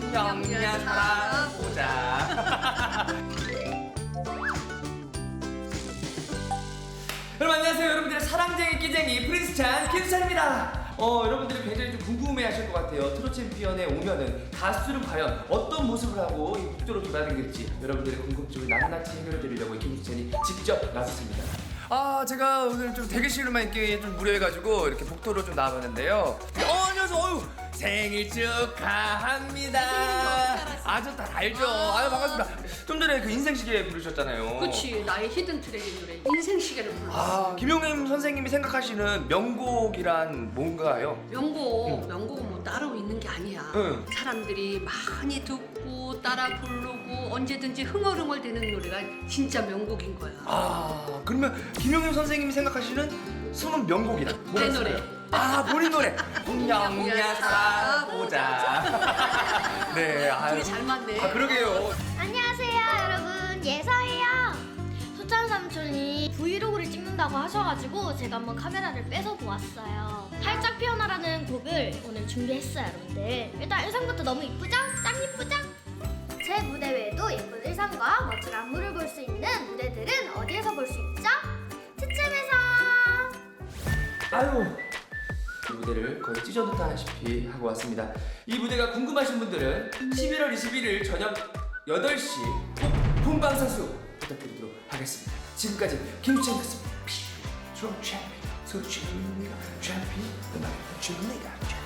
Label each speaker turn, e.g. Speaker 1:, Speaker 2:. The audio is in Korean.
Speaker 1: 냠냠 살아보자. 여러분 안녕하세요. 여러분들의 사랑쟁이 끼쟁이 프린스찬 김수찬입니다. 여러분들이 굉장히 좀 궁금해하실 것 같아요. 트롯 챔피언에 오면은 가수는 과연 어떤 모습을 하고 이 국도로 돌아다니는지 여러분들의 궁금증을 낱낱이 해결해 드리려고 김수찬이 직접 나섰습니다. 제가 오늘 좀 대기실로만 있기 좀 무료해가지고 이렇게 복도로 좀 나와봤는데요. 안녕하세요. 생일 축하합니다. 저 다 알죠. 반갑습니다. 좀 전에 그 인생시계 부르셨잖아요.
Speaker 2: 그치, 나의 히든 트랙의 노래 인생시계를 불렀어.
Speaker 1: 김용임 선생님이 생각하시는 명곡이란 뭔가요?
Speaker 2: 명곡은 뭐 따로 있는 게 아니야.
Speaker 1: 응.
Speaker 2: 사람들이 많이 듣고 따라 부르고 언제든지 흥얼흥얼대는 노래가 진짜 명곡인 거야.
Speaker 1: 그러면 김용임 선생님이 생각하시는 숨은 명곡이란
Speaker 2: 내
Speaker 1: 뭐가
Speaker 2: 노래.
Speaker 1: 있어요? 본인 노래. 웅냥웅냥 살아보자. 네,
Speaker 2: 둘이 잘 맞네.
Speaker 1: 그러게요.
Speaker 3: 안녕하세요 여러분, 예서예요. 소찬 삼촌이 브이로그를 찍는다고 하셔가지고 제가 한번 카메라를 뺏어 보았어요. 활짝 피어나라는 곡을 오늘 준비했어요 여러분들. 일단 의상부터 너무 이쁘죠? 짱 이쁘죠? 제 무대 외에도 예쁜 의상과 멋진 안무를 볼 수 있는 무대들은 어디에서 볼 수 있죠? 츠츠에서.
Speaker 1: 이 무대를 거의 찢어놓다시피 하고 왔습니다. 이 무대가 궁금하신 분들은 11월 21일 저녁 8시 꼭 본방사수 부탁드리도록 하겠습니다. 지금까지 김수찬이었습니다. 트롯 챔피언, 소중이가 챔피언, 음악의 준리가